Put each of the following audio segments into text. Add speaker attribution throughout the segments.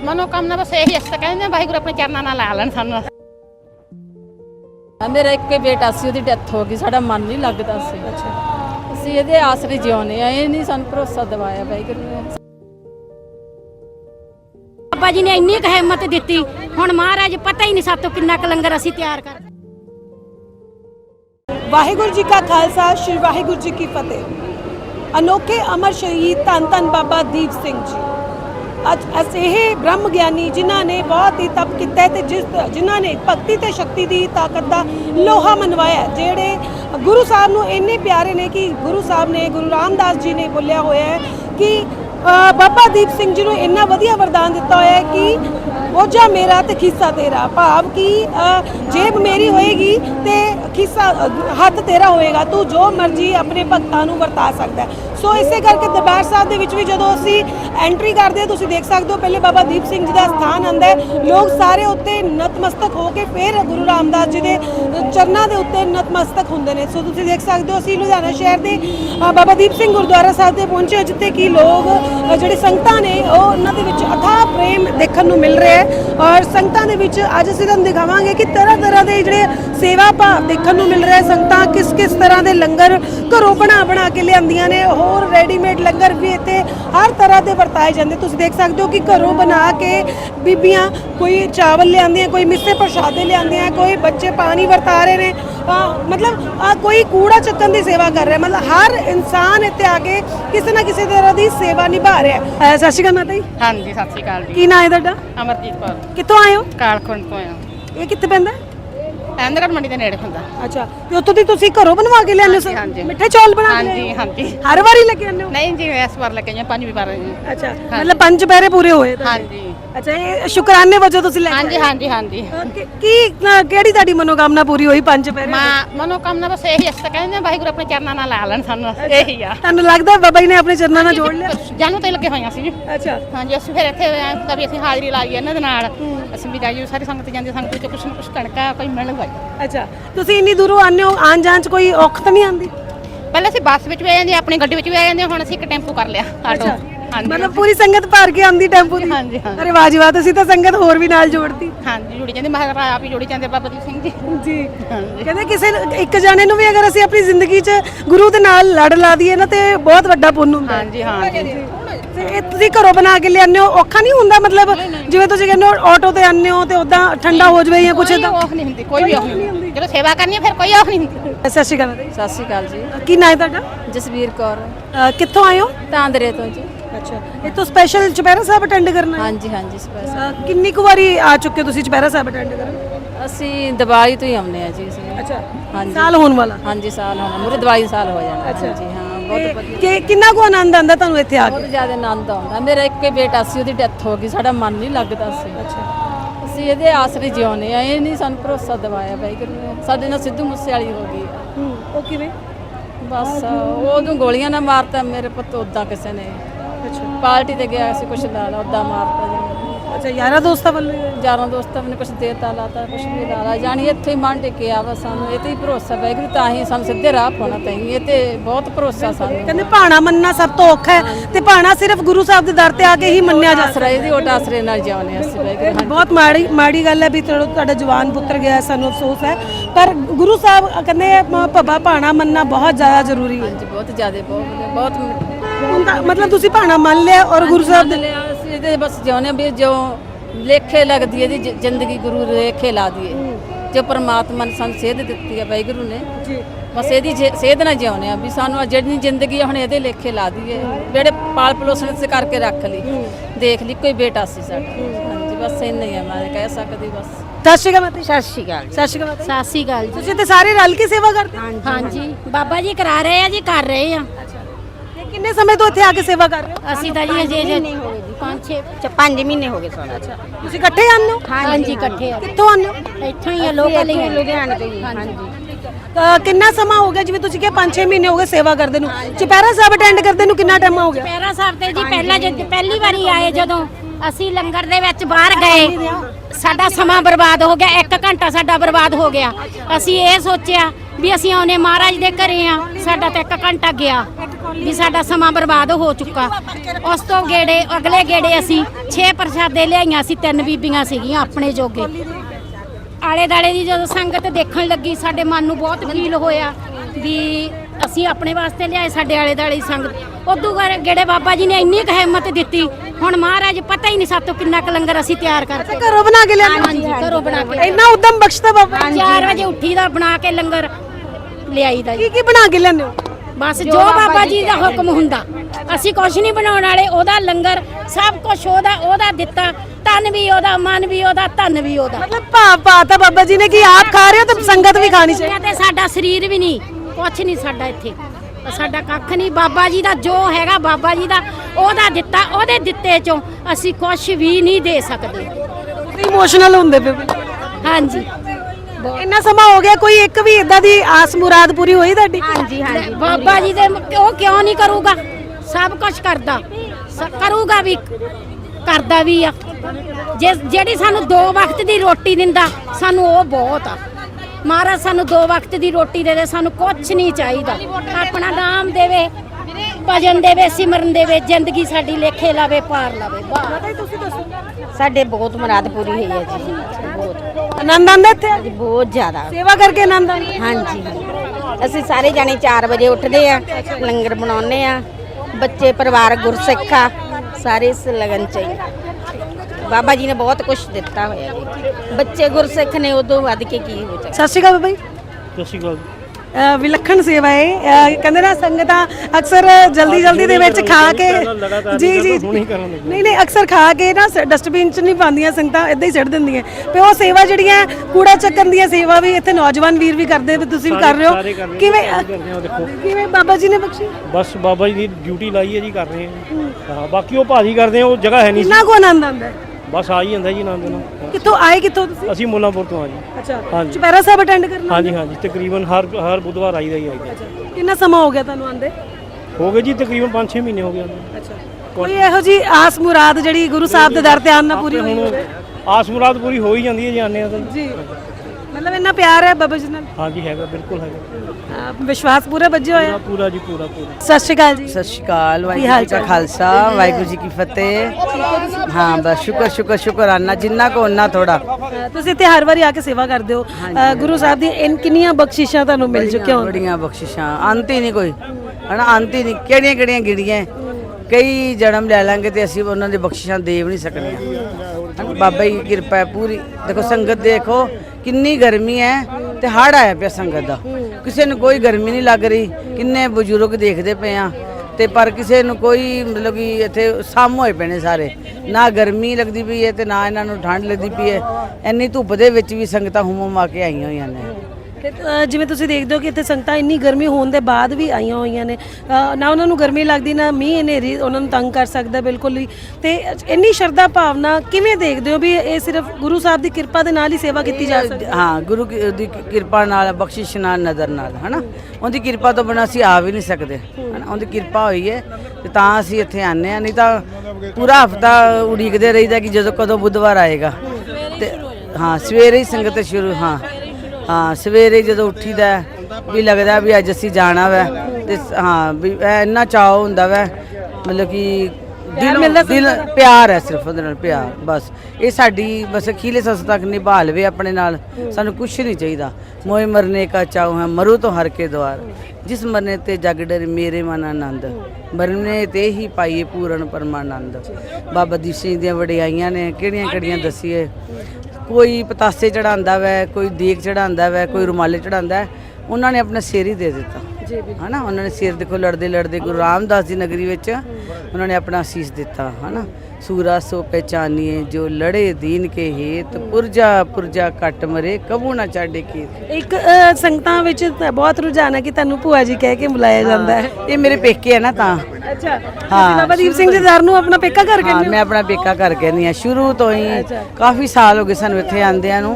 Speaker 1: मनोकामना बस यही अस कहते वाहिगुरू अपने चरणों नाल ला लैन सानू।
Speaker 2: मेरा एक बेटा सी, ओहदी डेथ हो गई, साडा मन नहीं लगदा सी। अच्छा, ਅਸੀਂ ਇਹਦੇ ਆਸਰੇ ਜਿਉਨੇ ਆ, ਇਹ ਨਹੀਂ ਸਾਨੂੰ ਭਰੋਸਾ ਦਿਵਾਇਆ ਵਾਹਿਗੁਰੂ ਨੇ।
Speaker 3: ਬਾਬਾ ਜੀ ਨੇ ਇੰਨੀ ਕੁ ਹਿੰਮਤ ਦਿੱਤੀ, ਹੁਣ ਮਹਾਰਾਜ ਪਤਾ ਹੀ ਨਹੀਂ ਸਾਤੋਂ ਕਿੰਨਾ ਕੁ ਲੰਗਰ ਅਸੀਂ ਤਿਆਰ ਕਰ।
Speaker 4: ਵਾਹਿਗੁਰੂ ਜੀ ਕਾ ਖਾਲਸਾ, ਸ਼੍ਰੀ ਵਾਹਿਗੁਰੂ ਜੀ ਕੀ ਫਤਿਹ। ਅਨੋਖੇ ਅਮਰ ਸ਼ਹੀਦ ਧੰਨ ਧੰਨ ਬਾਬਾ ਦੀਪ ਸਿੰਘ ਜੀ ਅੱਜ ਅਜਿਹੇ ਬ੍ਰਹਮ ਗਿਆਨੀ ਜਿਨ੍ਹਾਂ ਨੇ ਬਹੁਤ ਹੀ ਤਪ ਕੀਤਾ ਤੇ ਜਿਨ੍ਹਾਂ ਨੇ ਭਗਤੀ ਤੇ ਸ਼ਕਤੀ ਦੀ ਤਾਕਤ ਦਾ ਲੋਹਾ ਮਨਵਾਇਆ, ਜਿਹੜੇ ਗੁਰੂ ਸਾਹਿਬ ਨੂੰ ਇੰਨੇ ਪਿਆਰੇ ਨੇ ਕਿ ਗੁਰੂ ਸਾਹਿਬ ਨੇ, ਗੁਰੂ ਰਾਮਦਾਸ ਜੀ ਨੇ ਬੋਲਿਆ ਹੋਇਆ ਹੈ ਕਿ ਬਾਬਾ ਦੀਪ ਸਿੰਘ ਜੀ ਨੂੰ ਇੰਨਾ ਵਧੀਆ ਵਰਦਾਨ ਦਿੱਤਾ ਹੋਇਆ ਹੈ ਕਿ ਬੋਝਾ ਮੇਰਾ ਤੇ ਖੀਸਾ ਤੇਰਾ, ਭਾਵ ਕਿ ਜੇਬ ਮੇਰੀ ਹੋਏਗੀ ਤੇ ਖੀਸਾ ਹੱਥ ਤੇਰਾ ਹੋਏਗਾ, ਤੂੰ ਜੋ ਮਰਜ਼ੀ ਆਪਣੇ ਭਗਤਾਂ ਨੂੰ ਵਰਤਾ ਸਕਦਾ। ਸੋ ਇਸੇ ਕਰਕੇ ਦਰਬਾਰ ਸਾਹਿਬ ਦੇ ਵਿੱਚ ਵੀ ਜਦੋਂ ਅਸੀਂ ਐਂਟਰੀ ਕਰਦੇ ਹਾਂ, ਤੁਸੀਂ ਦੇਖ ਸਕਦੇ ਹੋ ਪਹਿਲੇ ਬਾਬਾ ਦੀਪ ਸਿੰਘ ਜੀ ਦਾ ਸਥਾਨ ਆਉਂਦਾ ਹੈ, ਲੋਕ ਸਾਰੇ ਉੱਤੇ ਨਤਮਸਤਕ ਹੋ ਕੇ ਫਿਰ ਗੁਰੂ ਰਾਮਦਾਸ ਜੀ ਦੇ ਚਰਨਾਂ ਦੇ ਉੱਤੇ ਨਤਮਸਤਕ ਹੁੰਦੇ ਨੇ। ਸੋ ਤੁਸੀਂ ਦੇਖ ਸਕਦੇ ਹੋ ਅਸੀਂ ਲੁਧਿਆਣਾ ਸ਼ਹਿਰ ਦੇ ਬਾਬਾ ਦੀਪ ਸਿੰਘ ਗੁਰਦੁਆਰਾ ਸਾਹਿਬ ਤੇ ਪਹੁੰਚੇ, ਜਿੱਥੇ ਕਿ ਲੋਕ ਜਿਹੜੇ ਸੰਗਤਾਂ ਨੇ ਉਹ ਉਹਨਾਂ ਦੇ ਵਿੱਚ ਅਥਾਹ ਪ੍ਰੇਮ ਦੇਖਣ ਨੂੰ ਮਿਲ ਰਿਹਾ ਹੈ। ਔਰ ਸੰਗਤਾਂ ਦੇ ਵਿੱਚ ਅੱਜ ਅਸੀਂ ਤੁਹਾਨੂੰ ਦਿਖਾਵਾਂਗੇ ਕਿ ਤਰ੍ਹਾਂ ਤਰ੍ਹਾਂ ਦੇ ਜਿਹੜੇ ਸੇਵਾ ਭਾਵ ਦੇਖਣ ਨੂੰ ਮਿਲ ਰਿਹਾ। ਸੰਗਤਾਂ ਕਿਸ ਕਿਸ ਤਰ੍ਹਾਂ ਦੇ ਲੰਗਰ ਘਰੋਂ ਬਣਾ ਕੇ ਲਿਆਂਦੀਆਂ ਨੇ, ਹੋਰ ਰੈਡੀਮੇਡ ਲੰਗਰ ਵੀ ਇੱਥੇ ਹਰ ਤਰ੍ਹਾਂ ਦੇ ਵਰਤਾਏ ਜਾਂਦੇ। ਤੁਸੀਂ ਦੇਖ ਸਕਦੇ ਹੋ ਕਿ ਘਰੋਂ ਬਣਾ ਕੇ ਬੀਬੀਆਂ ਕੋਈ ਚਾਵਲ ਲਿਆਂਦੀਆਂ, ਕੋਈ ਮਿੱਸੇ ਪ੍ਰਸ਼ਾਦੇ ਲਿਆਂਦੀਆਂ, ਕੋਈ ਬੱਚੇ ਪਾਣੀ ਵਰਤਾ ਰਹੇ ਨੇ, ਮਤਲਬ ਕੋਈ ਕੂੜਾ ਚੱਕਣ ਦੀ ਸੇਵਾ ਕਰ ਰਿਹਾ। ਮਤਲਬ ਹਰ ਇਨਸਾਨ ਇੱਥੇ ਆ ਕੇ ਕਿਸੇ ਨਾ ਕਿਸੇ ਤਰ੍ਹਾਂ ਦੀ ਸੇਵਾ ਨਿਭਾ ਰਿਹਾ ਹੈ। ਸਤਿ ਸ਼੍ਰੀ ਅਕਾਲ ਮਾਤਾ ਜੀ।
Speaker 1: ਹਾਂਜੀ ਸਤਿ ਸ਼੍ਰੀ ਅਕਾਲ ਜੀ।
Speaker 4: ਕੀ ਨਾਂ ਹੈ ਤੁਹਾਡਾ?
Speaker 1: ਅਮਰਜੀਤ ਕੌਰ।
Speaker 4: ਕਿੱਥੋਂ ਆਏ ਹੋ?
Speaker 1: ਕਾਲਖੁੰਡ ਤੋਂ ਆ।
Speaker 4: ਇਹ ਕਿੱਥੇ ਪੈਂਦਾ?
Speaker 1: ਐਂਦਗੜ ਮੰਡੀ ਦੇ ਨੇੜੇ ਹੁੰਦਾ।
Speaker 4: ਅੱਛਾ, ਤੇ ਉੱਥੋਂ ਦੀ ਤੁਸੀਂ ਘਰੋਂ ਬਣਵਾ ਕੇ ਲਿਆਉਂਦੇ ਹੋ?
Speaker 1: ਹਾਂਜੀ।
Speaker 4: ਮਿੱਠੇ ਚੌਲ ਬਣਾ ਕੇ?
Speaker 1: ਹਾਂਜੀ ਹਾਂਜੀ।
Speaker 4: ਹਰ ਵਾਰੀ ਲੈ ਕੇ ਆਉਂਦੇ ਹੋ?
Speaker 1: ਨਹੀਂ ਜੀ, ਇਸ ਵਾਰ ਲੈ ਕੇ ਆਏ, ਪੰਜ ਵੀ ਵਾਰ ਜੀ।
Speaker 4: ਅੱਛਾ, ਮਤਲਬ ਪੰਜ ਪਹਿਰੇ ਪੂਰੇ ਹੋਏ ਤੁਹਾਡੇ?
Speaker 1: ਹਾਂਜੀ।
Speaker 4: ਅੱਛਾ, ਇਹ ਸ਼ੁਕਰਾਨੇ ਵਜੋਂ ਤੁਸੀਂ ਲੈ ਕੇ
Speaker 1: ਹਾਂਜੀ ਹਾਂਜੀ ਹਾਂਜੀ।
Speaker 4: ਕਿਹੜੀ ਤੁਹਾਡੀ ਮਨੋਕਾਮਨਾ ਪੂਰੀ ਹੋਈ ਪੰਜ ਪਹਿਰੇ?
Speaker 1: ਮਨੋਕਾਮਨਾ ਬਸ ਇਹੀ ਅਸ ਕਹਿੰਦੇ ਵਾਹਿਗੁਰੂ ਆਪਣੇ ਚਰਨਾਂ ਨਾਲ ਲਾ ਲੈਣ ਸਾਨੂ, ਇਹੀ ਆ।
Speaker 4: ਤੁਹਾਨੂੰ ਲੱਗਦਾ ਬਾਬਾ ਜੀ ਨੇ ਆਪਣੇ ਚਰਨਾਂ ਨਾਲ ਜੋੜ ਲਿਆ?
Speaker 1: ਜਾਨੂ ਤੇ ਲੱਗੇ ਹੋਈਆਂ ਸੀ ਜੀ।
Speaker 4: ਅੱਛਾ,
Speaker 1: ਹਾਂਜੀ, ਅਸੀਂ ਫਿਰ ਇੱਥੇ ਤਾਂ ਵੀ ਅਸੀਂ ਹਾਜ਼ਰੀ ਲਾਈ ਇਹਨਾਂ ਦੇ ਨਾਲ, ਅਸੀਂ ਵੀ ਜਾਈਏ, ਸਾਰੀ ਸੰਗਤ ਜਾਂਦੀ, ਸੰਗਤ ਵਿੱਚੋਂ ਕੁਛ ਨਾ ਕੁਛ ਕਣਕਾ ਕੋਈ ਮਿਲੂਗਾ।
Speaker 4: ਅੱਛਾ, ਤੁਸੀਂ ਇੰਨੀ ਦੂਰੋਂ ਆਉਂਦੇ ਹੋ, ਆਉਣ ਜਾਣ 'ਚ ਕੋਈ ਔਖ ਤਾਂ ਨਹੀਂ ਆਉਂਦੀ?
Speaker 1: ਪਹਿਲਾਂ ਅਸੀਂ ਬੱਸ ਵਿੱਚ ਵੀ ਆ ਜਾਂਦੇ, ਆਪਣੀ ਗੱਡੀ ਵਿੱਚ ਵੀ ਆ ਜਾਂਦੇ, ਹੁਣ ਅਸੀਂ ਇੱਕ ਟੈਂਪੂ ਕਰ ਲਿਆ, ਆਟੋ। ਹਾਂਜੀ,
Speaker 4: ਮਤਲਬ ਪੂਰੀ ਸੰਗਤ ਭਰ ਕੇ ਆਉਂਦੀ ਟੈਂਪੂ ਦੀ?
Speaker 1: ਹਾਂਜੀ ਹਾਂ।
Speaker 4: ਅਰੇ ਵਾਹ ਜੀ ਵਾਹ, ਤੁਸੀਂ ਤਾਂ ਸੰਗਤ ਹੋਰ ਵੀ ਨਾਲ ਜੋੜਤੀ।
Speaker 1: ਹਾਂਜੀ, ਜੁੜੀ ਜਾਂਦੇ, ਮਹਾਰਾਜ ਆਪ ਹੀ ਜੁੜੀ ਜਾਂਦੇ ਬਾਬਾ ਦੀਪ ਸਿੰਘ ਜੀ।
Speaker 4: ਜੀ,
Speaker 1: ਹਾਂਜੀ।
Speaker 4: ਕਹਿੰਦੇ ਕਿਸੇ ਇੱਕ ਜਾਣੇ ਨੂੰ ਵੀ ਅਗਰ ਅਸੀਂ ਆਪਣੀ ਜ਼ਿੰਦਗੀ 'ਚ ਗੁਰੂ ਦੇ ਨਾਲ ਲੜ ਲਾ ਦਈਏ ਨਾ ਤੇ ਬਹੁਤ ਵੱਡਾ ਪੁੰਨ ਹੁੰਦਾ।
Speaker 1: ਹਾਂਜੀ ਹਾਂਜੀ।
Speaker 4: ਤੇ ਇਹ ਤੁਸੀਂ ਘਰੋਂ ਬਣਾ ਕੇ ਲਿਆਉਂਦੇ ਹੋ, ਔਖਾ ਨਹੀਂ ਹੁੰਦਾ? ਮਤਲਬ ਜਿਵੇਂ ਤੁਸੀਂ ਕਹਿੰਦੇ ਹੋ ਆਟੋ ਤੇ ਆਉਂਦੇ ਹੋ ਤੇ ਉਦਾਂ ਠੰਡਾ ਹੋ ਜਾਵੇ ਜਾਂ ਕੁਛ
Speaker 1: ਕੋਈ ਔਖ ਨਹੀਂ ਹੁੰਦੀ, ਕੋਈ ਵੀ ਔਖ ਨਹੀਂ ਹੁੰਦੀ। ਜਦੋਂ ਸੇਵਾ ਕਰਨੀ ਹੈ ਫਿਰ ਕੋਈ ਔਖ ਨਹੀਂ ਹੁੰਦੀ।
Speaker 4: ਸਤਿ ਸ਼੍ਰੀ ਅਕਾਲ।
Speaker 2: ਸਤਿ ਸ਼੍ਰੀ ਅਕਾਲ ਜੀ।
Speaker 4: ਕੀ ਨਾਂ ਹੈ ਤੁਹਾਡਾ?
Speaker 2: ਜਸਵੀਰ ਕੌਰ,
Speaker 4: ਕਿੱਥੋਂ ਆਏ ਹੋ?
Speaker 2: ਤਾਂਦਰੇ ਤੋਂ ਜੀ।
Speaker 4: ਅੱਛਾ, ਇਹ ਤੋਂ ਸਪੈਸ਼ਲ ਚੁਪਹਿਰਾ ਸਾਹਿਬ ਅਟੈਂਡ ਕਰਨਾ ਹੈ?
Speaker 2: ਹਾਂਜੀ ਹਾਂਜੀ, ਸਪੈਸ਼ਲ।
Speaker 4: ਕਿੰਨੀ ਕੁ ਵਾਰੀ ਆ ਚੁੱਕੇ ਹੋ ਤੁਸੀਂ ਚੁਪਹਿਰਾ ਸਾਹਿਬ ਅਟੈਂਡ ਕਰਨ?
Speaker 2: ਅਸੀਂ ਦੀਵਾਲੀ ਤੋਂ ਹੀ ਆਉਂਦੇ ਆ ਜੀ ਅਸੀਂ।
Speaker 4: ਅੱਛਾ,
Speaker 2: ਹਾਂਜੀ,
Speaker 4: ਸਾਲ ਹੋਣ ਵਾਲਾ?
Speaker 2: ਹਾਂਜੀ, ਸਾਲ ਹੋਣਾ, ਮੁਰੇ ਦੀਵਾਲੀ ਸਾਲ ਹੋ ਜਾਣਾ। ਹਾਂਜੀ ਹਾਂ, ਬਹੁਤ ਵਧੀਆ।
Speaker 4: ਕਿ ਕਿੰਨਾ ਕੁ ਆਨੰਦ ਆਉਂਦਾ ਤੁਹਾਨੂੰ ਇੱਥੇ ਆ ਕੇ?
Speaker 2: ਬਹੁਤ ਜ਼ਿਆਦਾ ਆਨੰਦ ਆਉਂਦਾ। ਮੇਰਾ ਇੱਕ ਬੇਟਾ ਸੀ, ਉਹਦੀ ਡੈਥ ਹੋ ਗਈ, ਸਾਡਾ ਮਨ ਨਹੀਂ ਲੱਗਦਾ ਸੀ।
Speaker 4: ਅੱਛਾ,
Speaker 2: ਅਸੀਂ ਇਹਦੇ ਆਸਰੇ ਜਿਉਨੇ ਆ, ਇਹ ਨਹੀਂ ਸਾਨੂੰ ਭਰੋਸਾ ਦਿਵਾਇਆ ਵਾਹਿਗੁਰੂ ਨੇ। ਸਾਡੇ ਨਾਲ ਸਿੱਧੂ ਮੂਸੇ ਵਾਲੀ ਹੋ ਗਈ।
Speaker 4: ਉਹ ਕਿਵੇਂ?
Speaker 2: ਬਸ ਉਹਨੂੰ ਗੋਲੀਆਂ ਨਾਲ ਮਾਰਤਾ ਮੇਰੇ ਪੁੱਤ, ਉਦਾਂ ਕਿਸੇ ਨੇ।
Speaker 4: ਅੱਛਾ
Speaker 2: ਪਾਰਟੀ ਤੇ ਗਿਆ ਸੀ, ਕੁਛ ਲਾ ਲਾ ਉਦਾਂ ਮਾਰਤਾ ਜੀ।
Speaker 4: ਅੱਛਾ, ਯਾਰਾਂ ਦੋਸਤਾਂ ਵੱਲੋਂ?
Speaker 2: ਯਾਰਾਂ ਦੋਸਤਾਂ ਨੇ ਕੁਛ ਦੇਤਾ ਲਾਤਾ, ਕੁਛ ਵੀ ਲਾ ਲਾ, ਜਾਣੀ ਇੱਥੇ ਹੀ ਮਨ ਟਿਕਿਆ ਵਾ ਸਾਨੂੰ। ਇਹ ਤੇ ਹੀ ਭਰੋਸਾ ਵਾਹਿਗੁਰੂ, ਤਾਂ ਹੀ ਸਾਨੂੰ ਸਿੱਧੇ ਰਾਹ ਪਾਉਣਾ ਚਾਹੀਏ। ਇਹ ਤੇ ਬਹੁਤ ਭਰੋਸਾ ਸਾਨੂੰ।
Speaker 4: ਕਹਿੰਦੇ ਭਾਣਾ ਮੰਨਣਾ ਸਭ ਤੋਂ ਔਖਾ ਹੈ ਤੇ ਭਾਣਾ ਸਿਰਫ ਗੁਰੂ ਸਾਹਿਬ ਦੇ ਦਰ ਤੇ ਆ ਕੇ ਹੀ ਮੰਨਿਆ ਜਾ
Speaker 2: ਆਸਰਾ, ਇਹਦੀ ਓਟ ਆਸਰੇ ਨਾਲ ਜਿਉਂਦੇ ਅਸੀਂ ਵਾਹਿਗੁਰੂ।
Speaker 4: ਬਹੁਤ ਮਾੜੀ ਗੱਲ ਹੈ ਵੀ ਤੁਹਾਡਾ ਜਵਾਨ ਪੁੱਤਰ ਗਿਆ, ਸਾਨੂੰ ਅਫਸੋਸ ਹੈ, ਪਰ ਗੁਰੂ ਸਾਹਿਬ ਕਹਿੰਦੇ ਭੱਬਾ ਭਾਣਾ ਮੰਨਣਾ ਬਹੁਤ ਜ਼ਿਆਦਾ ਜ਼ਰੂਰੀ ਹੈ।
Speaker 2: ਹਾਂਜੀ, ਬਹੁਤ ਜ਼ਿਆਦਾ, ਬਹੁਤ
Speaker 4: ਮਤਲਬ ਤੁਸੀਂ ਭਾਣਾ ਮੰਨ ਲਿਆ ਔਰ ਗੁਰੂ ਸਾਹਿਬ ਦੇ
Speaker 2: ਲਿਆ। ਅਸੀਂ ਇਹਦੇ ਬਸ ਜਿਉਂਦੇ ਵੀ ਜੋ ਲੇਖੇ ਲੱਗਦੀ ਹੈ ਇਹਦੀ ਜ਼ਿੰਦਗੀ, ਗੁਰੂ ਲੇਖੇ ਲਾ ਦਈਏ। ਜੋ ਪਰਮਾਤਮਾ ਨੇ ਸਾਨੂੰ ਸੇਧ ਦਿੱਤੀ ਹੈ ਵਾਹਿਗੁਰੂ ਨੇ, ਬਸ ਇਹਦੀ ਸੇਧ ਨਾਲ ਜਿਉਂਦੇ ਆ ਵੀ ਸਾਨੂੰ ਜਿਹੜੀ ਜ਼ਿੰਦਗੀ ਹੁਣ ਇਹਦੇ ਲੇਖੇ ਲਾ ਦਈਏ। ਜਿਹੜੇ ਪਾਲ ਪਲੋਸਣ ਸੇ ਕਰਕੇ ਰੱਖ ਲਈ, ਦੇਖ ਲਈ, ਕੋਈ ਬੇਟਾ ਸੀ ਸਾਡਾ। ਹਾਂਜੀ, ਬਸ ਇੰਨਾ ਹੀ ਹੈ ਮੈਂ ਕਹਿ ਸਕਦੀ। ਬਸ
Speaker 4: ਸਤਿ ਸ਼੍ਰੀ ਅਕਾਲ।
Speaker 3: ਸਤਿ ਸ਼੍ਰੀ ਅਕਾਲ।
Speaker 4: ਸਤਿ ਸ਼੍ਰੀ ਅਕਾਲ।
Speaker 3: ਸਤਿ ਸ਼੍ਰੀ ਅਕਾਲ ਜੀ।
Speaker 4: ਤੁਸੀਂ ਤੇ ਸਾਰੇ ਰਲ ਕੇ ਸੇਵਾ ਕਰਦੇ?
Speaker 3: ਹਾਂਜੀ, ਬਾਬਾ ਜੀ ਕਰਾ ਰਹੇ ਆ ਜੀ, ਕਰ ਰਹੇ ਆ।
Speaker 4: ਕਿੰਨੇ ਸਮੇਂ ਤੋਂ ਇੱਥੇ ਆ ਕੇ ਸੇਵਾ ਕਰ ਰਹੇ ਹੋ?
Speaker 3: ਅਸੀਂ ਤਾਂ ਜੀ ਅਜੇ 5 ਮਹੀਨੇ ਹੋ ਗਏ ਸਾਨੂੰ।
Speaker 4: ਅੱਛਾ, ਤੁਸੀਂ ਇਕੱਠੇ ਆਉਂਦੇ ਹੋ?
Speaker 3: ਹਾਂਜੀ, ਇਕੱਠੇ ਆ।
Speaker 4: ਕਿੱਥੋਂ ਆਉਂਦੇ ਹੋ?
Speaker 3: ਇੱਥੋਂ ਹੀ ਆ, ਲੋਕਲ ਹੀ, ਲੁਧਿਆਣੇ ਤੋਂ ਹੀ। ਹਾਂਜੀ।
Speaker 4: ਕਿੰਨਾ ਸਮਾਂ ਹੋ ਗਿਆ? ਜਿਵੇਂ ਤੁਸੀਂ ਕਿਹਾ 5-6 ਮਹੀਨੇ ਹੋ ਗਏ ਸੇਵਾ ਕਰਦੇ ਨੂੰ, ਚੁਪਹਿਰਾ ਸਾਹਿਬ ਅਟੈਂਡ ਕਰਦੇ ਨੂੰ ਕਿੰਨਾ ਟਾਈਮ ਹੋ ਗਿਆ?
Speaker 3: ਚੁਪਹਿਰਾ ਸਾਹਿਬ ਤੇ ਜੀ ਪਹਿਲੀ ਵਾਰੀ ਆਏ ਜਦੋਂ ਅਸੀਂ ਲੰਗਰ ਦੇ ਵਿੱਚ ਬਾਹਰ ਗਏ, ਸਾਡਾ ਸਮਾਂ ਬਰਬਾਦ ਹੋ ਗਿਆ। 1 ਘੰਟਾ ਸਾਡਾ ਬਰਬਾਦ ਹੋ ਗਿਆ। ਅਸੀਂ ਇਹ ਸੋਚਿਆ ਵੀ ਅਸੀਂ ਆਉਨੇ ਮਹਾਰਾਜ ਦੇ ਘਰੇ ਆ, ਸਾਡਾ ਤਾਂ 1 ਘੰਟਾ ਗਿਆ ਵੀ ਸਾਡਾ ਸਮਾਂ ਬਰਬਾਦ ਹੋ ਚੁੱਕਾ। ਉਸ ਤੋਂ ਅਗਲੇ ਗੇੜੇ ਅਸੀਂ 6 ਪ੍ਰਸ਼ਾਦੇ ਲਿਆਈਆਂ ਸੀ, 3 ਬੀਬੀਆਂ ਸੀਗੀਆਂ ਆਪਣੇ ਜੋਗੇ। ਆਲੇ ਦਾਲੇ ਦੀ ਜਦੋਂ ਸੰਗਤ ਦੇਖਣ ਲੱਗੀ ਸਾਡੇ ਮਨ ਨੂੰ ਬਹੁਤ ਫੀਲ ਹੋਇਆ ਵੀ ਅਸੀਂ ਆਪਣੇ ਵਾਸਤੇ ਲਿਆਏ, ਸਾਡੇ ਆਲੇ ਦਾਲੇ ਦੀ ਸੰਗਤ। ਉਦੋਂ ਗੇੜੇ ਬਾਬਾ ਜੀ ਨੇ ਇੰਨੀ ਕੁ ਹਿੰਮਤ ਦਿੱਤੀ, ਹੁਣ ਮਹਾਰਾਜ ਪਤਾ ਹੀ ਨਹੀਂ ਸਾਤੋਂ ਕਿੰਨਾ ਕੁ ਲੰਗਰ ਅਸੀਂ ਤਿਆਰ ਕਰਕੇ
Speaker 4: ਘਰੋਂ ਬਣਾ ਕੇ ਲਿਆਂਦੇ?
Speaker 3: ਹਾਂਜੀ, ਘਰੋਂ ਬਣਾ ਕੇ।
Speaker 4: ਇੰਨਾ ਉਦਮ ਬਖਸ਼ਦਾ ਬਾਬਾ?
Speaker 3: 4 ਵਜੇ ਉੱਠੀ ਦਾ ਬਣਾ ਕੇ ਲੰਗਰ ਲਿਆਈਦਾ ਜੀ।
Speaker 4: ਕੀ ਬਣਾ ਕੇ ਲਿਆਂਦੇ ਹੋ?
Speaker 3: ਬਸ ਜੋ ਬਾਬਾ ਜੀ ਦਾ ਹੁਕਮ ਹੁੰਦਾ, ਅਸੀਂ ਕੁਛ ਨਹੀਂ ਬਣਾਉਣ ਵਾਲੇ। ਉਹਦਾ ਲੰਗਰ ਸਭ ਕੁਝ ਉਹਦਾ ਦਿੱਤਾ, ਤਨ ਵੀ ਉਹਦਾ, ਮਨ ਵੀ ਉਹਦਾ, ਧਨ ਵੀ ਉਹਦਾ।
Speaker 4: ਮਤਲਬ ਭਾਵ ਪਾਤਾ ਬਾਬਾ ਜੀ ਨੇ ਕਿ ਆਪ ਖਾ ਰਹੇ ਹੋ ਤਾਂ ਸੰਗਤ ਵੀ ਖਾਣੀ ਚਾਹੀਦੀ।
Speaker 3: ਤੇ ਸਾਡਾ ਸਰੀਰ ਵੀ ਨਹੀਂ, ਕੁਛ ਨਹੀਂ ਸਾਡਾ ਇੱਥੇ, ਸਾਡਾ ਕੱਖ ਨਹੀਂ। ਬਾਬਾ ਜੀ ਦਾ ਜੋ ਹੈਗਾ ਬਾਬਾ ਜੀ ਦਾ ਉਹਦਾ ਦਿੱਤਾ, ਉਹਦੇ ਦਿੱਤੇ ਚੋਂ ਅਸੀਂ ਕੁਛ ਵੀ ਨਹੀਂ ਦੇ ਸਕਦੇ।
Speaker 4: ਇਮੋਸ਼ਨਲ ਹੁੰਦੇ ਪਏ।
Speaker 3: ਹਾਂਜੀ,
Speaker 4: ਇੰਨਾ ਸਮਾਂ ਹੋ ਗਿਆ, ਕੋਈ ਇੱਕ ਵੀ ਇਦਾਂ ਦੀ ਆਸ ਮੁਰਾਦ ਪੂਰੀ ਹੋਈ ਤੁਹਾਡੀ?
Speaker 3: ਬਾਬਾ ਜੀ ਦੇ ਉਹ ਕਿਉਂ ਨਹੀਂ ਕਰੂਗਾ? ਸਭ ਕੁਝ ਕਰਦਾ, ਕਰੂਗਾ ਵੀ, ਕਰਦਾ ਵੀ ਆ। ਜਿਹੜੀ ਸਾਨੂੰ 2 ਵਕਤ ਦੀ ਰੋਟੀ ਦਿੰਦਾ, ਸਾਨੂੰ ਉਹ ਬਹੁਤ ਆ। ਮਹਾਰਾਜ ਸਾਨੂੰ 2 ਵਕਤ ਦੀ ਰੋਟੀ ਦੇ ਦੇ, ਸਾਨੂੰ ਕੁਛ ਨਹੀਂ ਚਾਹੀਦਾ। ਆਪਣਾ ਨਾਮ ਦੇਵੇ, ਭਜਨ ਦੇਵੇ, ਸਿਮਰਨ ਦੇਵੇ, ਜ਼ਿੰਦਗੀ ਸਾਡੀ ਲੇਖੇ ਲਾਵੇ, ਪਾਰ ਲਾਵੇ।
Speaker 5: ਸਾਡੇ ਬਹੁਤ ਮੁਰਾਦ ਪੂਰੀ ਹੋਈ ਹੈ ਜੀ, ਬਹੁਤ
Speaker 4: ਆਨੰਦ ਆਉਂਦਾ ਇੱਥੇ?
Speaker 5: ਬਹੁਤ ਜ਼ਿਆਦਾ
Speaker 4: ਸੇਵਾ ਕਰਕੇ ਆਨੰਦ ਆਉਂਦਾ?
Speaker 5: ਹਾਂਜੀ, ਅਸੀਂ ਸਾਰੇ ਜਾਣੇ 4 ਵਜੇ ਉੱਠਦੇ ਆ, ਲੰਗਰ ਬਣਾਉਂਦੇ ਆ, ਬੱਚੇ ਪਰਿਵਾਰ ਗੁਰਸਿੱਖ ਆ, ਸਾਰੇ ਇਸ ਲਗਨ ਚ ਹੀ। ਬਾਬਾ ਜੀ ਨੇ ਬਹੁਤ ਕੁਝ ਦਿੱਤਾ ਹੋਇਆ ਜੀ, ਬੱਚੇ ਗੁਰਸਿੱਖ ਨੇ, ਉਦੋਂ ਵੱਧ ਕੇ ਕੀ ਹੋ ਸਕਦਾ।
Speaker 4: ਸਤਿ ਸ਼੍ਰੀ ਅਕਾਲ ਬਾਬਾ ਜੀ।
Speaker 6: ਸਤਿ ਸ਼੍ਰੀ ਅਕਾਲ।
Speaker 4: ਵਿਲੱਖਣ ਸੇਵਾ ਹੈ, ਕਹਿੰਦੇ ਨਾ ਸੰਗਤਾਂ ਅਕਸਰ ਜਲਦੀ ਦੇ ਵਿੱਚ ਖਾ ਕੇ ਜੀ ਨਹੀਂ ਅਕਸਰ ਖਾ ਕੇ ਨਾ ਡਸਟਬਿਨ ਚ ਨਹੀਂ ਪਾਉਂਦੀਆਂ ਸੰਗਤਾਂ, ਇਦਾਂ ਹੀ ਸਿੱਟ ਦਿੰਦੀਆਂ। ਤੇ ਉਹ ਸੇਵਾ ਜਿਹੜੀਆਂ ਕੂੜਾ ਚੱਕਣ ਦੀਆਂ ਸੇਵਾ ਵੀ ਇੱਥੇ ਨੌਜਵਾਨ ਵੀਰ ਵੀ ਕਰਦੇ, ਤੇ ਤੁਸੀਂ ਵੀ ਕਰ ਰਹੇ ਹੋ। ਕਿਵੇਂ ਬਾਬਾ ਜੀ ਨੇ ਬਖਸ਼ੀ?
Speaker 6: ਬਸ ਬਾਬਾ ਜੀ ਦੀ ਡਿਊਟੀ ਲਾਈ ਹੈ ਜੀ, ਕਰ ਰਹੇ ਹਾਂ। ਹਾਂ, ਬਾਕੀ ਉਹ ਭਾਜੀ ਕਰਦੇ ਆ, ਉਹ ਜਗ੍ਹਾ ਹੈ ਨਹੀਂ ਸੀ।
Speaker 4: ਕਿੰਨਾ ਕੁ ਆਨੰਦ ਆਉਂਦਾ?
Speaker 6: ਬਸ ਆ ਹੀ ਜਾਂਦਾ ਜੀ ਆਨੰਦ ਨਾਲ।
Speaker 4: ਕਿੱਥੋਂ ਆਏ, ਕਿੱਥੋਂ ਤੁਸੀਂ?
Speaker 6: ਅਸੀਂ ਮੁੱਲਾਂਪੁਰ ਤੋਂ ਆ ਜੀ।
Speaker 4: ਅੱਛਾ,
Speaker 6: ਹਾਂਜੀ।
Speaker 4: ਚੁਪਹਿਰਾ ਸਾਹਿਬ ਅਟੈਂਡ ਕਰਨਾ?
Speaker 6: ਹਾਂਜੀ ਹਾਂਜੀ, ਤਕਰੀਬਨ ਹਰ ਬੁੱਧਵਾਰ ਆਈਦਾ ਹੀ ਆਈਦਾ।
Speaker 4: ਕਿੰਨਾ ਸਮਾਂ ਹੋ ਗਿਆ ਤੁਹਾਨੂੰ ਆਂਦੇ?
Speaker 6: ਹੋ ਗਏ ਜੀ ਤਕਰੀਬਨ 5-6 ਮਹੀਨੇ ਹੋ ਗਏ।
Speaker 4: ਅੱਛਾ, ਕੋਈ ਇਹੋ ਜੀ ਆਸ ਮੁਰਾਦ ਜਿਹੜੀ ਗੁਰੂ ਸਾਹਿਬ ਦੇ ਦਰ ਤੇ ਆਉਣ ਨਾਲ ਪੂਰੀ ਹੋਈ ਹੋਵੇ?
Speaker 6: ਆਸ ਮੁਰਾਦ ਪੂਰੀ ਹੋ ਹੀ ਜਾਂਦੀ ਹੈ ਜੀ, ਆਨੇ ਆ ਤਾਂ
Speaker 4: ਜੀ। ਮਤਲਬ ਇੰਨਾ ਪਿਆਰ ਹੈ ਬਾਬਾ ਜੀ ਨਾਲ?
Speaker 6: ਹਾਂਜੀ ਹੈਗਾ, ਬਿਲਕੁਲ ਹੈਗਾ।
Speaker 4: ਵਿਸ਼ਵਾਸ ਪੂਰਾ ਵੱਜਿਆ ਹੋਇਆ?
Speaker 6: ਪੂਰਾ ਜੀ, ਪੂਰਾ।
Speaker 4: ਸਤਿ ਸ਼੍ਰੀ ਅਕਾਲ ਜੀ।
Speaker 7: ਸਤਿ ਸ਼੍ਰੀ ਅਕਾਲ। ਵਾਹਿਗੁਰੂ ਜੀ ਕਾ ਖਾਲਸਾ, ਵਾਹਿਗੁਰੂ ਜੀ ਕੀ ਫਤਿਹ। ਹਾਂ, ਬਸ ਸ਼ੁਕਰਾਨਾ, ਜਿੰਨਾ ਕੋ ਉਹਨਾਂ ਥੋੜਾ।
Speaker 4: ਤੁਸੀਂ ਇੱਥੇ ਹਰ ਵਾਰੀ ਆ ਕੇ ਸੇਵਾ ਕਰਦੇ ਹੋ, ਗੁਰੂ ਸਾਹਿਬ ਦੀ ਕਿੰਨੀਆਂ ਬਖਸ਼ਿਸ਼ਾਂ ਤੁਹਾਨੂੰ ਮਿਲ ਚੁੱਕੀਆਂ ਹੋਣ?
Speaker 7: ਬੜੀਆਂ ਬਖਸ਼ਿਸ਼ਾਂ, ਅੰਤ ਹੀ ਨਹੀਂ ਕੋਈ, ਹਨਾ, ਅੰਤ ਹੀ ਨਹੀਂ। ਕਿਹੜੀਆਂ ਗਿਣੀਆਂ, ਕਈ ਜਨਮ ਲੈ ਲਾਂਗੇ ਤੇ ਅਸੀਂ ਉਹਨਾਂ ਦੀ ਬਖਸ਼ਿਸ਼ਾਂ ਦੇ ਵੀ ਨਹੀਂ ਸਕਣੀਆਂ। ਬਾਬਾ ਜੀ ਦੀ ਕਿਰਪਾ ਹੈ ਪੂਰੀ। ਦੇਖੋ ਸੰਗਤ, ਦੇਖੋ ਕਿੰਨੀ ਗਰਮੀ ਹੈ ਤੇ ਹੜ੍ਹ ਆਇਆ ਪਿਆ ਸੰਗਤ ਦਾ, ਕਿਸੇ ਨੂੰ ਕੋਈ ਗਰਮੀ ਨਹੀਂ ਲੱਗ ਰਹੀ। ਕਿੰਨੇ ਬਜ਼ੁਰਗ ਦੇਖਦੇ ਪਏ ਆ, ਤੇ ਪਰ ਕਿਸੇ ਨੂੰ ਕੋਈ ਮਤਲਬ ਕਿ ਇੱਥੇ ਸਾਮ ਹੋਏ ਪਏ ਨੇ ਸਾਰੇ, ਨਾ ਗਰਮੀ ਲੱਗਦੀ ਪਈ ਹੈ ਤੇ ਨਾ ਇਹਨਾਂ ਨੂੰ ਠੰਡ ਲੱਗਦੀ ਪਈ ਹੈ। ਇੰਨੀ ਧੁੱਪ ਦੇ ਵਿੱਚ ਵੀ ਸੰਗਤਾਂ ਹੁਮ ਆ ਕੇ ਆਈਆਂ ਹੋਈਆਂ ਨੇ।
Speaker 4: ਜਿਵੇਂ ਤੁਸੀਂ ਦੇਖਦੇ ਹੋ ਕਿ ਇੱਥੇ ਸੰਗਤਾਂ ਇੰਨੀ ਗਰਮੀ ਹੋਣ ਦੇ ਬਾਅਦ ਵੀ ਆਈਆਂ ਹੋਈਆਂ ਨੇ, ਨਾ ਉਹਨਾਂ ਨੂੰ ਗਰਮੀ ਲੱਗਦੀ, ਨਾ ਮੀਂਹ ਹਨੇਰੀ ਉਹਨਾਂ ਨੂੰ ਤੰਗ ਕਰ ਸਕਦਾ ਬਿਲਕੁਲ ਵੀ। ਤੇ ਇੰਨੀ ਸ਼ਰਧਾ ਭਾਵਨਾ ਕਿਵੇਂ ਦੇਖਦੇ ਹੋ ਵੀ ਇਹ ਸਿਰਫ ਗੁਰੂ ਸਾਹਿਬ ਦੀ ਕਿਰਪਾ ਦੇ ਨਾਲ ਹੀ ਸੇਵਾ ਕੀਤੀ ਜਾ ਸਕਦੀ?
Speaker 7: ਹਾਂ, ਗੁਰੂ ਦੀ ਕਿਰਪਾ ਨਾਲ, ਬਖਸ਼ਿਸ਼ ਨਾਲ, ਨਜ਼ਰ ਨਾਲ, ਹਨਾ। ਉਹਦੀ ਕਿਰਪਾ ਤੋਂ ਬਿਨਾਂ ਅਸੀਂ ਆ ਵੀ ਨਹੀਂ ਸਕਦੇ, ਹਨਾ। ਉਹਦੀ ਕਿਰਪਾ ਹੋਈ ਹੈ ਤੇ ਤਾਂ ਅਸੀਂ ਇੱਥੇ ਆਨੇ ਆ, ਨਹੀਂ ਤਾਂ ਪੂਰਾ ਹਫਤਾ ਉਡੀਕਦੇ ਰਹੀਦਾ ਕਿ ਜਦੋਂ ਕਦੋਂ ਬੁੱਧਵਾਰ ਆਏਗਾ। ਤੇ ਹਾਂ, ਸਵੇਰੇ ਹੀ ਸੰਗਤ ਸ਼ੁਰੂ। ਹਾਂ, ਸਵੇਰੇ ਜਦੋਂ ਉੱਠੀਦਾ ਵੀ ਲੱਗਦਾ ਵੀ ਅੱਜ ਅਸੀਂ ਜਾਣਾ ਵੈ, ਤੇ ਹਾਂ ਵੀ ਇੰਨਾ ਚਾਅ ਹੁੰਦਾ ਵੈ, ਮਤਲਬ ਕਿ ਦਿਲ ਪਿਆਰ ਹੈ, ਸਿਰਫ ਉਹਦੇ ਨਾਲ ਪਿਆਰ। ਬਸ ਇਹ ਸਾਡੀ ਬਸ ਅਖੀਲੇ ਸੱਸ ਤੱਕ ਨਿਭਾ ਲਵੇ ਆਪਣੇ ਨਾਲ, ਸਾਨੂੰ ਕੁਛ ਨਹੀਂ ਚਾਹੀਦਾ। ਮੋਏ ਮਰਨੇ ਕਾ ਚਾਉ ਹੈ, ਮਰੂ ਤੋਂ ਹਰ ਕੇ ਦੁਆਰ, ਜਿਸ ਮਰਨੇ ਤੇ ਜਗ ਡਰ ਮੇਰੇ ਮਨ ਆਨੰਦ, ਮਰਨੇ ਤੇ ਹੀ ਪਾਈਏ ਪੂਰਨ ਪਰਮਾਨੰਦ। ਬਾਬਾ ਦੀਪ ਸਿੰਘ ਦੀਆਂ ਵਡਿਆਈਆਂ ਨੇ ਕਿਹੜੀਆਂ ਦੱਸੀਏ। ਕੋਈ ਪਤਾਸੇ ਚੜਾਉਂਦਾ ਵੈ, ਕੋਈ ਦੇਗ ਚੜਾਉਂਦਾ ਵੈ, ਕੋਈ ਰੁਮਾਲੇ ਚੜਾਉਂਦਾ। ਉਹਨਾਂ ਨੇ ਆਪਣਾ ਸਿਰ ਹੀ ਦੇ ਦਿੱਤਾ, ਹਨਾ। ਉਹਨਾਂ ਨੇ ਸਿਰ, ਦੇਖੋ ਲੜਦੇ ਗੁਰੂ ਰਾਮਦਾਸ ਦੀ ਨਗਰੀ ਵਿੱਚ ਉਹਨਾਂ ਨੇ ਆਪਣਾ ਅਸੀਸ ਦਿੱਤਾ, ਹਨਾ। ਸੂਰਾ ਸੋ ਪਹਿਚਾਨੀਏ ਜੋ ਲੜੇ ਦੀਨ ਕੇ ਹੇਤ, ਪੁਰਜਾ ਕੱਟ ਮਰੇ ਕਬੂ ਨਾ ਚਾਡੇ ਕੀ। ਇੱਕ
Speaker 4: ਸੰਗਤਾਂ ਵਿੱਚ ਬਹੁਤ ਰੁਝਾਨ ਹੈ ਕਿ ਤੁਹਾਨੂੰ ਭੂਆ ਜੀ ਕਹਿ ਕੇ ਬੁਲਾਇਆ ਜਾਂਦਾ ਹੈ।
Speaker 7: ਇਹ ਮੇਰੇ ਪੇਕੇ ਹੈ ਨਾ, ਤਾਂ।
Speaker 4: ਅੱਛਾ, ਹਾਂ। ਬਾਬਾ ਦੀਪ ਸਿੰਘ ਦੇ ਦਰ ਨੂੰ ਆਪਣਾ ਪੇਕਾ ਘਰ ਕਹਿੰਦੇ ਹੋ?
Speaker 7: ਮੈਂ ਆਪਣਾ ਪੇਕਾ ਘਰ ਕਹਿੰਦੀ ਆ, ਸ਼ੁਰੂ ਤੋਂ ਹੀ। ਕਾਫੀ ਸਾਲ ਹੋ ਗਏ ਸਾਨੂੰ ਇੱਥੇ ਆਂਦਿਆਂ ਨੂੰ,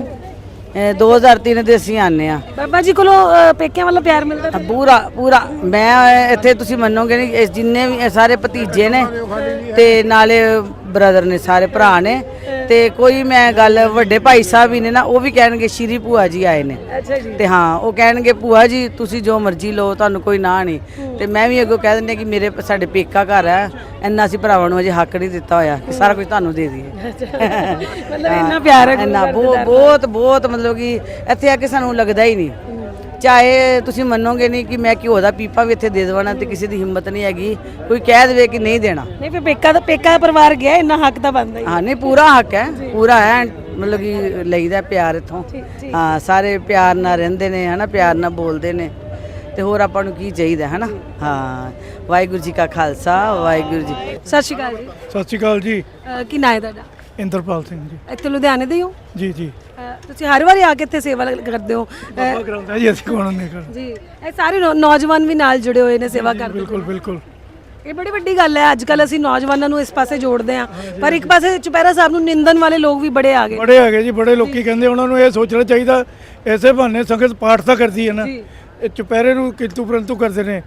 Speaker 7: 2003 ਦੇ ਅਸੀਂ ਆਨੇ ਆ।
Speaker 4: ਬਾਬਾ ਜੀ ਕੋਲੋਂ ਪੇਕਿਆਂ ਵੱਲੋਂ ਪਿਆਰ ਮਿਲਦਾ?
Speaker 7: ਪੂਰਾ। ਮੈਂ ਇੱਥੇ ਤੁਸੀਂ ਮੰਨੋਗੇ ਨਹੀਂ, ਜਿੰਨੇ ਵੀ ਸਾਰੇ ਭਤੀਜੇ ਨੇ ਤੇ ਨਾਲੇ ਬ੍ਰਦਰ ਨੇ, ਸਾਰੇ ਭਰਾ ਨੇ। ਤੇ ਕੋਈ ਮੈਂ ਗੱਲ ਵੱਡੇ ਭਾਈ ਸਾਹਿਬ ਵੀ ਨੇ ਨਾ, ਉਹ ਵੀ ਕਹਿਣਗੇ ਸ਼੍ਰੀ ਭੂਆ ਜੀ ਆਏ ਨੇ।
Speaker 4: ਅੱਛਾ ਜੀ।
Speaker 7: ਤੇ ਹਾਂ ਉਹ ਕਹਿਣਗੇ ਭੂਆ ਜੀ ਤੁਸੀਂ ਜੋ ਮਰਜ਼ੀ ਲਓ, ਤੁਹਾਨੂੰ ਕੋਈ ਨਾ ਨਹੀਂ। ਤੇ ਮੈਂ ਵੀ ਅੱਗੋਂ ਕਹਿ ਦਿੰਦੀ ਕਿ ਮੇਰੇ ਸਾਡੇ ਪੇਕਾ ਘਰ ਹੈ, ਇੰਨਾ ਅਸੀਂ ਭਰਾਵਾਂ ਨੂੰ ਅਜੇ ਹੱਕ ਨਹੀਂ ਦਿੱਤਾ ਹੋਇਆ ਕਿ ਸਾਰਾ ਕੁਝ ਤੁਹਾਨੂੰ ਦੇ ਦਈਏ।
Speaker 4: ਮਤਲਬ ਇੰਨਾ ਪਿਆਰ ਹੈ ਗੁਰੂ
Speaker 7: ਇੰਨਾ
Speaker 4: ਘਰ ਦੇ ਦਰ ਨਾਲ।
Speaker 7: ਬਹੁਤ ਬਹੁਤ ਮਤਲਬ ਕਿ ਇੱਥੇ ਆ ਕੇ ਸਾਨੂੰ ਲੱਗਦਾ ਹੀ ਨਹੀਂ। ਚਾਹੇ ਤੁਸੀਂ ਮੰਨੋਗੇ ਨਹੀਂ ਕਿ ਮੈਂ ਘਿਓ ਦਾ ਪੀਪਾ ਵੀ ਇੱਥੇ ਦੇ ਦੇਵਾਂ ਤੇ ਕਿਸੇ ਦੀ ਹਿੰਮਤ ਨਹੀਂ ਹੈਗੀ ਕੋਈ ਕਹਿ ਦੇਵੇ ਕਿ ਨਹੀਂ ਦੇਣਾ।
Speaker 4: ਨਹੀਂ ਫਿਰ ਪੇਕਾ ਦਾ ਪਰਿਵਾਰ ਗਿਆ, ਇੰਨਾ ਹੱਕ ਤਾਂ ਬਣਦਾ ਹੀ।
Speaker 7: ਹਾਂ ਨਹੀਂ ਪੂਰਾ ਹੱਕ ਹੈ, ਪੂਰਾ ਹੈ, ਮਤਲਬ ਕਿ ਲਈਦਾ ਪਿਆਰ ਇੱਥੋਂ। ਹਾਂ ਸਾਰੇ ਪਿਆਰ ਨਾਲ ਰਹਿੰਦੇ ਨੇ ਹਨਾ, ਪਿਆਰ ਨਾਲ ਬੋਲਦੇ ਨੇ, ਤੇ ਹੋਰ ਆਪਾਂ ਨੂੰ ਕੀ ਚਾਹੀਦਾ ਹਨਾ। ਹਾਂ ਵਾਹਿਗੁਰੂ ਜੀ ਕਾ ਖਾਲਸਾ, ਵਾਹਿਗੁਰੂ ਜੀ।
Speaker 4: ਸਤਿ ਸ਼੍ਰੀ ਅਕਾਲ ਜੀ।
Speaker 6: ਸਤਿ ਸ਼੍ਰੀ ਅਕਾਲ ਜੀ।
Speaker 4: ਕੀ ਨਾਂ ਹੈ ਤੁਹਾਡਾ?
Speaker 6: ਇੰਦਰਪਾਲ ਸਿੰਘ ਜੀ।
Speaker 4: ਇੱਥੇ ਲੁਧਿਆਣੇ ਦੇ ਹੀ ਹੋ?
Speaker 6: ਜੀ ਜੀ।
Speaker 4: ਤੁਸੀਂ ਹਰ ਵਾਰੀ ਆ ਕੇ ਇੱਥੇ ਸੇਵਾ ਕਰਦੇ ਹੋ?
Speaker 6: ਬਾਬਾ ਕਰਾਉਂਦਾ ਜੀ, ਅਸੀਂ ਕੌਣ ਨਹੀਂ ਕਰ।
Speaker 4: ਜੀ ਇਹ ਸਾਰੇ ਨੌਜਵਾਨ ਵੀ ਨਾਲ ਜੁੜੇ ਹੋਏ ਨੇ ਸੇਵਾ ਕਰਦੇ।
Speaker 6: ਬਿਲਕੁਲ ਬਿਲਕੁਲ।
Speaker 4: ਇਹ ਬੜੀ ਵੱਡੀ ਗੱਲ ਹੈ। ਅੱਜ ਕੱਲ ਅਸੀਂ ਨੌਜਵਾਨਾਂ ਨੂੰ ਇਸ ਪਾਸੇ ਜੋੜਦੇ ਹਾਂ, ਪਰ ਇੱਕ ਪਾਸੇ ਚੁਪਹਿਰਾ ਸਾਹਿਬ ਨੂੰ ਨਿੰਦਣ ਵਾਲੇ ਲੋਕ ਵੀ ਬੜੇ ਆ ਗਏ।
Speaker 6: ਬੜੇ ਹੈਗੇ ਜੀ, ਬੜੇ ਲੋਕੀ ਕਹਿੰਦੇ ਉਹਨਾਂ ਨੂੰ ਇਹ ਸੋਚਣਾ ਚਾਹੀਦਾ, ਐਸੇ ਬਹਾਨੇ ਸੰਗਤ ਪਾਠ ਤਾਂ ਕਰਦੀ ਹੈ ਨਾ, ਇਹ ਚੁਪਹਿਰੇ ਨੂੰ ਕਿੰਤੂ ਪਰੰਤੂ ਕਰਦੇ ਨੇ।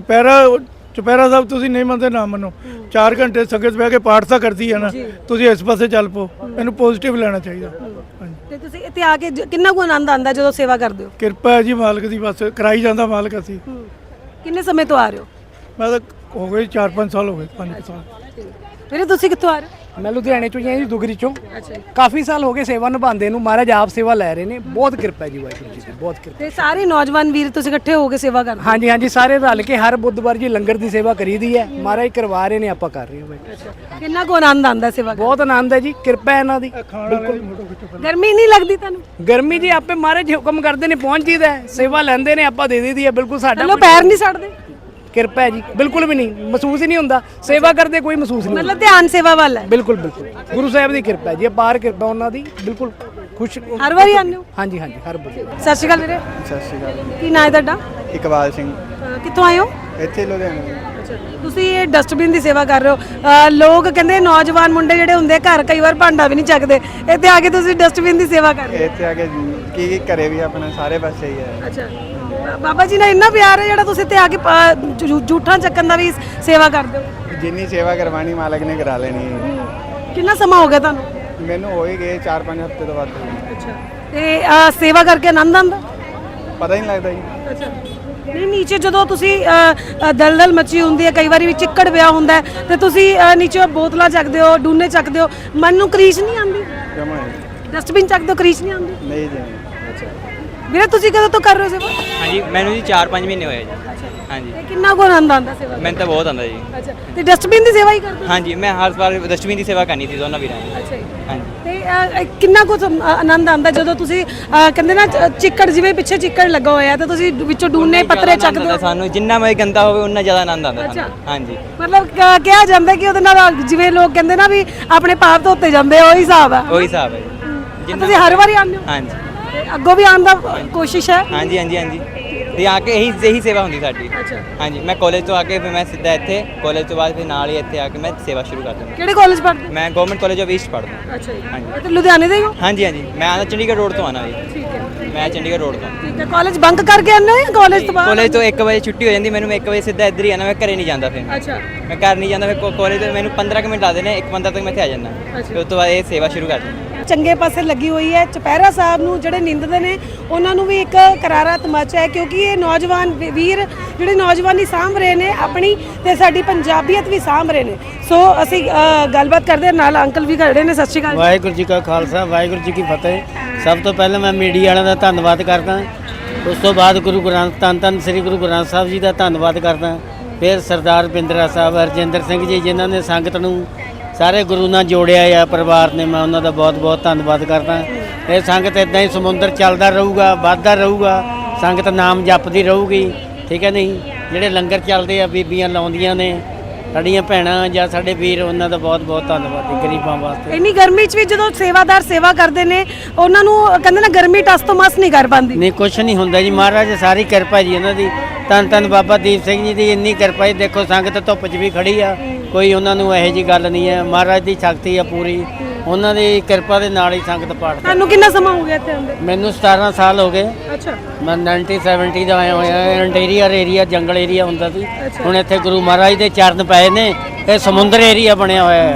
Speaker 6: ਚੁਪਹਿਰਾ ਸਾਹਿਬ ਤੁਸੀਂ ਨਹੀਂ ਮੰਨਦੇ ਨਾ ਮੰਨੋ, 4 ਘੰਟੇ ਸੰਗਤ ਬਹਿ ਕੇ ਪਾਠ ਤਾਂ ਕਰਦੀ ਹੈ ਨਾ, ਤੁਸੀਂ ਇਸ ਪਾਸੇ ਚੱਲ ਪਓ, ਇਹਨੂੰ ਪੋਜ਼ਿਟਿਵ ਲੈਣਾ ਚਾਹੀਦਾ। ਹਾਂਜੀ
Speaker 4: ਤੇ ਤੁਸੀਂ ਇੱਥੇ ਆ ਕੇ ਕਿੰਨਾ ਕੁ ਆਨੰਦ ਆਉਂਦਾ ਜਦੋਂ ਸੇਵਾ ਕਰਦੇ ਹੋ?
Speaker 6: ਕਿਰਪਾ ਹੈ ਜੀ ਮਾਲਕ ਦੀ, ਬਸ ਕਰਾਈ ਜਾਂਦਾ ਮਾਲਕ। ਅਸੀਂ
Speaker 4: ਕਿੰਨੇ ਸਮੇਂ ਤੋਂ ਆ ਰਹੇ ਹੋ?
Speaker 6: ਮੈਂ ਤਾਂ ਹੋ ਗਏ 4-5 ਸਾਲ ਹੋ ਗਏ, 5 ਸਾਲ।
Speaker 4: ਵੀਰੇ ਤੁਸੀਂ ਕਿੱਥੋਂ ਆ ਰਹੇ ਹੋ?
Speaker 8: ਮੈਂ ਲੁਧਿਆਣੇ ਚੋਂ ਹੀ ਹਾਂ ਜੀ, ਦੁਗਰੀ ਚੋਂ।
Speaker 4: ਅੱਛਾ ਜੀ।
Speaker 8: ਕਾਫੀ ਸਾਲ ਹੋ ਗਏ ਸੇਵਾ ਨਿਭਾਉਂਦੇ ਨੂੰ, ਮਹਾਰਾਜ ਆਪ ਸੇਵਾ ਲੈ ਰਹੇ ਨੇ, ਬਹੁਤ ਕਿਰਪਾ ਹੈ ਜੀ ਵਾਹਿਗੁਰੂ ਜੀ ਦੀ, ਬਹੁਤ ਕਿਰਪਾ।
Speaker 4: ਤੇ ਸਾਰੇ ਨੌਜਵਾਨ ਵੀਰ ਤੁਸੀਂ ਇਕੱਠੇ ਹੋ ਕੇ ਸੇਵਾ ਕਰਦੇ ਹੋ?
Speaker 8: ਹਾਂਜੀ ਹਾਂਜੀ, ਸਾਰੇ ਰਲ ਕੇ ਹਰ ਬੁੱਧਵਾਰ ਜੀ ਲੰਗਰ ਦੀ ਸੇਵਾ ਕਰੀਦੀ ਹੈ, ਮਹਾਰਾਜ ਕਰਵਾ ਰਹੇ ਨੇ, ਆਪਾਂ ਕਰ ਰਹੇ ਹਾਂ ਬਾਈ।
Speaker 4: ਕਿੰਨਾ ਕੁ ਆਨੰਦ ਆਉਂਦਾ ਸੇਵਾ ਕਰਕੇ?
Speaker 8: ਬਹੁਤ ਆਨੰਦ ਹੈ ਜੀ, ਕਿਰਪਾ ਹੈ ਇਹਨਾਂ ਦੀ।
Speaker 4: ਗਰਮੀ ਨਹੀਂ ਲੱਗਦੀ ਤੁਹਾਨੂੰ?
Speaker 8: ਗਰਮੀ ਜੀ ਆਪੇ ਮਹਾਰਾਜ ਹੁਕਮ ਕਰਦੇ ਨੇ, ਪਹੁੰਚ ਜੀਦਾ ਹੈ, ਸੇਵਾ ਲੈਂਦੇ ਨੇ, ਆਪਾਂ ਦੇ ਦਈਦੀ ਹੈ। ਬਿਲਕੁਲ ਸਾਡਾ
Speaker 4: ਚਲੋ ਪੈਰ ਨਹੀਂ ਸੜਦੇ?
Speaker 8: ਕਿਰਪਾ ਹੈ ਜੀ, ਬਿਲਕੁਲ ਵੀ ਨਹੀਂ, ਮਹਿਸੂਸ ਹੀ ਨਹੀਂ ਹੁੰਦਾ, ਸੇਵਾ ਕਰਦੇ ਕੋਈ ਮਹਿਸੂਸ ਨਹੀਂ ਹੁੰਦਾ।
Speaker 4: ਮਤਲਬ ਧਿਆਨ ਸੇਵਾ ਵੱਲ ਹੈ?
Speaker 8: ਬਿਲਕੁਲ ਬਿਲਕੁਲ, ਗੁਰੂ ਸਾਹਿਬ ਦੀ ਕਿਰਪਾ ਹੈ ਜੀ, ਅਪਾਰ ਕਿਰਪਾ ਉਹਨਾਂ ਦੀ, ਬਿਲਕੁਲ ਖੁਸ਼।
Speaker 4: ਹਰ ਵਾਰੀ ਆਉਂਦੇ ਹੋ?
Speaker 8: ਹਾਂਜੀ ਹਾਂਜੀ, ਹਰ ਵਾਰੀ।
Speaker 4: ਸਤਿ ਸ਼੍ਰੀ ਅਕਾਲ ਵੀਰੇ।
Speaker 9: ਸਤਿ ਸ਼੍ਰੀ ਅਕਾਲ।
Speaker 4: ਕੀ ਨਾਂ ਹੈ ਤੁਹਾਡਾ?
Speaker 9: ਇਕਬਾਲ ਸਿੰਘ।
Speaker 4: ਕਿੱਥੋਂ ਆਏ ਹੋ?
Speaker 9: ਇੱਥੇ ਲੁਧਿਆਣੇ।
Speaker 4: ਤੁਸੀਂ ਇਹ ਡਸਟਬਿਨ ਦੀ ਸੇਵਾ ਕਰ ਰਹੇ ਹੋ। ਲੋਕ ਕਹਿੰਦੇ ਨੌਜਵਾਨ ਮੁੰਡੇ ਜਿਹੜੇ ਹੁੰਦੇ ਆ ਘਰ ਕਈ ਵਾਰ ਭਾਂਡਾ ਵੀ ਨਹੀਂ ਚੱਕਦੇ, ਇੱਥੇ ਆ ਕੇ ਤੁਸੀਂ ਡਸਟਬਿਨ ਦੀ ਸੇਵਾ ਕਰ ਰਹੇ ਹੋ।
Speaker 9: ਇੱਥੇ ਆ ਕੇ ਕੀ ਘਰੇ ਵੀ ਆਪਣਾ ਸਾਰੇ ਪਾਸੇ ਹੀ ਹੈ।
Speaker 4: ਅੱਛਾ, ਬਾਬਾ ਜੀ ਨਾਲ ਇੰਨਾ ਪਿਆਰ ਹੈ ਜਿਹੜਾ ਤੁਸੀਂ ਇੱਥੇ ਆ ਕੇ ਜੂਠਾਂ ਚੱਕਣ ਦਾ ਵੀ ਸੇਵਾ ਕਰਦੇ ਹੋ?
Speaker 9: ਜਿੰਨੀ ਸੇਵਾ ਕਰਵਾਣੀ ਮਾਲਕ ਨੇ ਕਰਾ ਲੈਣੀ ਹੈ।
Speaker 4: ਕਿੰਨਾ ਸਮਾਂ ਹੋ ਗਿਆ ਤੁਹਾਨੂੰ?
Speaker 9: ਮੈਨੂੰ ਹੋ ਹੀ ਗਏ 4-5 ਹਫ਼ਤੇ ਤੋਂ ਬਾਅਦ।
Speaker 4: ਅੱਛਾ, ਤੇ ਸੇਵਾ ਕਰਕੇ ਆਨੰਦ ਆਉਂਦਾ?
Speaker 9: ਪਤਾ ਹੀ ਨਹੀਂ ਲੱਗਦਾ ਜੀ।
Speaker 4: ਅੱਛਾ, ਨਹੀਂ ਨੀਚੇ ਜਦੋਂ ਤੁਸੀਂ ਦਲਦਲ ਮੱਚੀ ਹੁੰਦੀ ਹੈ, ਕਈ ਵਾਰੀ ਵੀ ਚਿੱਕੜ ਪਿਆ ਹੁੰਦਾ ਹੈ, ਤੇ ਤੁਸੀਂ ਨੀਚੇ ਬੋਤਲਾਂ ਚੱਕਦੇ ਹੋ, ਡੂਨੇ ਚੱਕਦੇ ਹੋ, ਮਨ ਨੂੰ ਕਰੀਸ਼ ਨਹੀਂ ਆਉਂਦੀ?
Speaker 9: ਜਮਾ
Speaker 4: ਡਸਟਬਿਨ ਚੱਕਦੇ ਹੋ, ਕਰੀਸ਼ ਨਹੀਂ ਆਉਂਦੀ?
Speaker 9: ਨਹੀਂ ਜੀ।
Speaker 4: ਵੀਰੇ ਤੁਸੀਂ ਕਦੋਂ ਤੋਂ ਕਰ ਰਹੇ ਹੋ ਸੇਵਾ?
Speaker 10: ਹਾਂਜੀ ਮੈਨੂੰ ਜੀ 4-5 ਮਹੀਨੇ ਹੋਏ ਜੀ। ਹਾਂਜੀ
Speaker 4: ਤੇ ਕਿੰਨਾ ਕੁ ਆਨੰਦ ਆਉਂਦਾ ਸੇਵਾ?
Speaker 10: ਮੈਨੂੰ ਤਾਂ ਬਹੁਤ ਆਉਂਦਾ ਜੀ।
Speaker 4: ਅੱਛਾ, ਤੇ ਡਸਟਬਿਨ ਦੀ ਸੇਵਾ ਹੀ ਕਰਦੇ ਹੋ?
Speaker 10: ਹਾਂਜੀ ਮੈਂ ਹਰ ਵਾਰ ਡਸਟਬਿਨ ਦੀ ਸੇਵਾ ਕਰਨੀ ਸੀ ਦੋਨਾਂ ਵੀਰਾਂ ਦੀ।
Speaker 4: ਅੱਛਾ ਜੀ।
Speaker 10: ਹਾਂਜੀ
Speaker 4: ਤੇ ਕਿੰਨਾ ਕੁ ਆਨੰਦ ਆਉਂਦਾ ਜਦੋਂ ਤੁਸੀਂ ਕਹਿੰਦੇ ਨਾ ਚਿੱਕੜ, ਜਿਵੇਂ ਪਿੱਛੇ ਚਿੱਕੜ ਲੱਗਾ ਹੋਇਆ ਤੇ ਤੁਸੀਂ ਵਿੱਚੋਂ ਡੂਨੇ ਪੱਤਰੇ ਚੱਕਦੇ ਹੋ?
Speaker 10: ਸਾਨੂੰ ਜਿੰਨਾ ਮੈਂ ਗੰਦਾ ਹੋਵੇ ਉਨਾ ਜ਼ਿਆਦਾ ਆਨੰਦ ਆਉਂਦਾ ਸਾਨੂੰ। ਹਾਂਜੀ
Speaker 4: ਮਤਲਬ ਕਿਹਾ ਜਾਂਦਾ ਕਿ ਉਹਦੇ ਨਾਲ ਜਿਵੇਂ ਲੋਕ ਕਹਿੰਦੇ ਨਾ ਵੀ ਆਪਣੇ ਪਾਪ ਧੋਤੇ ਜਾਂਦੇ, ਉਹੀ ਹਿਸਾਬ ਹੈ?
Speaker 10: ਉਹੀ ਹਿਸਾਬ ਹੈ ਜੀ।
Speaker 4: ਤੁਸੀਂ ਹਰ ਵਾਰੀ ਆਉਂਦੇ ਹੋ?
Speaker 10: ਹਾਂਜੀ
Speaker 4: ਤੇ ਅੱਗੋਂ ਵੀ ਆਉਣ ਦਾ ਕੋਸ਼ਿਸ਼ ਹੈ?
Speaker 10: ਹਾਂਜੀ ਹਾਂਜੀ ਹਾਂਜੀ, ਤੇ ਆ ਕੇ ਇਹੀ ਸੇਵਾ ਹੁੰਦੀ ਸਾਡੀ।
Speaker 4: ਅੱਛਾ,
Speaker 10: ਹਾਂਜੀ ਮੈਂ ਕਾਲਜ ਤੋਂ ਆ ਕੇ ਫਿਰ ਮੈਂ ਸਿੱਧਾ ਇੱਥੇ, ਕਾਲਜ ਤੋਂ ਬਾਅਦ ਫਿਰ ਨਾਲ ਹੀ ਇੱਥੇ ਆ ਕੇ ਮੈਂ ਸੇਵਾ ਸ਼ੁਰੂ ਕਰ ਦਿੰਦਾ।
Speaker 4: ਕਿਹੜੇ ਕਾਲਜ ਪੜ੍ਹਦੇ ਹੋ?
Speaker 10: ਮੈਂ ਗਵਰਨਮੈਂਟ ਕਾਲਜ ਆਫ ਈਸਟ ਪੜ੍ਹਦਾ।
Speaker 4: ਅੱਛਾ ਜੀ।
Speaker 10: ਹਾਂਜੀ
Speaker 4: ਤੇ ਲੁਧਿਆਣੇ ਦੇ ਹੀ ਹੋ?
Speaker 10: ਹਾਂਜੀ ਹਾਂਜੀ, ਮੈਂ ਆਉਂਦਾ ਚੰਡੀਗੜ੍ਹ ਰੋਡ ਤੋਂ ਆਉਣਾ ਜੀ।
Speaker 4: ਠੀਕ ਹੈ,
Speaker 10: ਮੈਂ ਚੰਡੀਗੜ੍ਹ ਰੋਡ ਤੋਂ।
Speaker 4: ਠੀਕ ਹੈ। ਕਾਲਜ ਬੰਕ ਕਰਕੇ ਆਉਂਦੇ ਹੋ ਜਾਂ ਕਾਲਜ ਤੋਂ ਬਾਅਦ?
Speaker 10: ਕਾਲਜ ਤੋਂ 1 ਵਜੇ ਛੁੱਟੀ ਹੋ ਜਾਂਦੀ ਮੈਨੂੰ, 1 ਵਜੇ ਸਿੱਧਾ ਇੱਧਰ ਹੀ ਆਣਾ, ਮੈਂ ਘਰੇ ਨਹੀਂ ਜਾਂਦਾ ਫਿਰ।
Speaker 4: ਅੱਛਾ,
Speaker 10: ਮੈਂ ਘਰ ਨਹੀਂ ਜਾਂਦਾ, ਫਿਰ ਕਾਲਜ ਤੋਂ ਮੈਨੂੰ 15 ਕੁ ਮਿੰਟ ਲੱਗਦੇ ਨੇ, 1 ਤੱਕ ਮੈਂ ਇੱਥੇ ਆ ਜਾਂਦਾ, ਫਿਰ ਉਸ ਤੋਂ ਬਾਅਦ ਇਹ ਸੇਵਾ ਸ਼ੁਰੂ ਕਰ ਦਿੰਦਾ।
Speaker 4: ਚੰਗੇ ਪਾਸੇ ਲੱਗੀ ਹੋਈ ਹੈ। ਚੁਪਹਿਰਾ ਸਾਹਿਬ ਨੂੰ ਜਿਹੜੇ ਨਿੰਦਦੇ ਨੇ ਉਹਨਾਂ ਨੂੰ ਵੀ ਇੱਕ ਕਰਾਰਾ ਤਮਾਚਾ ਹੈ, ਕਿਉਂਕਿ ਇਹ ਨੌਜਵਾਨ ਵੀਰ ਜਿਹੜੇ ਨੌਜਵਾਨੀ ਸਾਂਭ ਰਹੇ ਨੇ ਆਪਣੀ, ਤੇ ਸਾਡੀ ਪੰਜਾਬੀਅਤ ਵੀ ਸਾਂਭ ਰਹੇ ਨੇ। ਸੋ ਅਸੀਂ ਗੱਲਬਾਤ ਕਰਦੇ ਹਾਂ, ਨਾਲ ਅੰਕਲ ਵੀ ਖੜੇ ਨੇ। ਸਤਿ ਸ਼੍ਰੀ ਅਕਾਲ।
Speaker 11: ਵਾਹਿਗੁਰੂ ਜੀ ਕਾ ਖਾਲਸਾ, ਵਾਹਿਗੁਰੂ ਜੀ ਕੀ ਫਤਿਹ। ਸਭ ਤੋਂ ਪਹਿਲਾਂ ਮੈਂ ਮੀਡੀਆ ਵਾਲਿਆਂ ਦਾ ਧੰਨਵਾਦ ਕਰਦਾ, ਉਸ ਤੋਂ ਬਾਅਦ ਗੁਰੂ ਗ੍ਰੰਥ ਧੰਨ ਸ੍ਰੀ ਗੁਰੂ ਗ੍ਰੰਥ ਸਾਹਿਬ ਜੀ ਦਾ ਧੰਨਵਾਦ ਕਰਦਾ, ਫਿਰ ਸਰਦਾਰ ਬਿੰਦਰਾ ਸਾਹਿਬ, ਹਰਜਿੰਦਰ ਸਿੰਘ ਜੀ, ਜਿਨ੍ਹਾਂ ਨੇ ਸੰਗਤ ਨੂੰ ਸਾਰੇ ਗੁਰੂ ਨਾਲ ਜੋੜਿਆ ਆ, ਪਰਿਵਾਰ ਨੇ, ਮੈਂ ਉਹਨਾਂ ਦਾ ਬਹੁਤ ਬਹੁਤ ਧੰਨਵਾਦ ਕਰਦਾ। ਇਹ ਸੰਗਤ ਇਦਾਂ ਹੀ ਸਮੁੰਦਰ ਚੱਲਦਾ ਰਹੂਗਾ, ਵੱਧਦਾ ਰਹੂਗਾ, ਸੰਗਤ ਨਾਮ ਜਪਦੀ ਰਹੂਗੀ, ਠੀਕ ਹੈ ਨਹੀਂ? ਜਿਹੜੇ ਲੰਗਰ ਚੱਲਦੇ ਆ, ਬੀਬੀਆਂ ਲਾਉਂਦੀਆਂ ਨੇ, ਸਾਡੀਆਂ ਭੈਣਾਂ ਜਾਂ ਸਾਡੇ ਵੀਰ, ਉਹਨਾਂ ਦਾ ਬਹੁਤ ਬਹੁਤ ਧੰਨਵਾਦ ਜੀ ਗਰੀਬਾਂ ਵਾਸਤੇ।
Speaker 4: ਇੰਨੀ ਗਰਮੀ 'ਚ ਵੀ ਜਦੋਂ ਸੇਵਾਦਾਰ ਸੇਵਾ ਕਰਦੇ ਨੇ, ਉਹਨਾਂ ਨੂੰ ਕਹਿੰਦੇ ਨਾ ਗਰਮੀ ਟਸ ਤੋਂ ਮਸ ਨਹੀਂ ਕਰ ਪਾਉਂਦੀ।
Speaker 11: ਨਹੀਂ, ਕੁਛ ਨਹੀਂ ਹੁੰਦਾ ਜੀ, ਮਹਾਰਾਜ ਸਾਰੀ ਕਿਰਪਾ ਜੀ ਇਹਨਾਂ ਦੀ। ਧੰਨ ਧੰਨ ਬਾਬਾ ਦੀਪ ਸਿੰਘ ਜੀ ਦੀ ਇੰਨੀ ਕਿਰਪਾ ਜੀ। ਦੇਖੋ ਸੰਗਤ ਧੁੱਪ 'ਚ ਵੀ ਖੜੀ ਆ, ਕੋਈ ਉਹਨਾਂ ਨੂੰ ਇਹੋ ਜਿਹੀ ਗੱਲ ਨਹੀਂ ਹੈ, ਮਹਾਰਾਜ ਦੀ ਸ਼ਕਤੀ ਆ ਪੂਰੀ, ਉਹਨਾਂ ਦੀ ਕਿਰਪਾ ਦੇ ਨਾਲ ਹੀ ਸੰਗਤ ਪਾਠ।
Speaker 4: ਤੁਹਾਨੂੰ ਕਿੰਨਾ ਸਮਾਂ ਹੋ ਗਿਆ ਇੱਥੇ ਆਉਂਦੇ?
Speaker 11: ਮੈਨੂੰ 17 ਸਾਲ ਹੋ ਗਏ।
Speaker 4: ਅੱਛਾ,
Speaker 11: ਮੈਂ 1970 ਦਾ ਆਇਆ ਹੋਇਆ। ਇੰਟੀਰੀਅਰ ਏਰੀਆ, ਜੰਗਲ ਏਰੀਆ ਹੁੰਦਾ ਸੀ, ਹੁਣ ਇੱਥੇ ਗੁਰੂ ਮਹਾਰਾਜ ਦੇ ਚਰਨ ਪਏ ਨੇ, ਇਹ ਸਮੁੰਦਰ ਏਰੀਆ ਬਣਿਆ ਹੋਇਆ ਹੈ।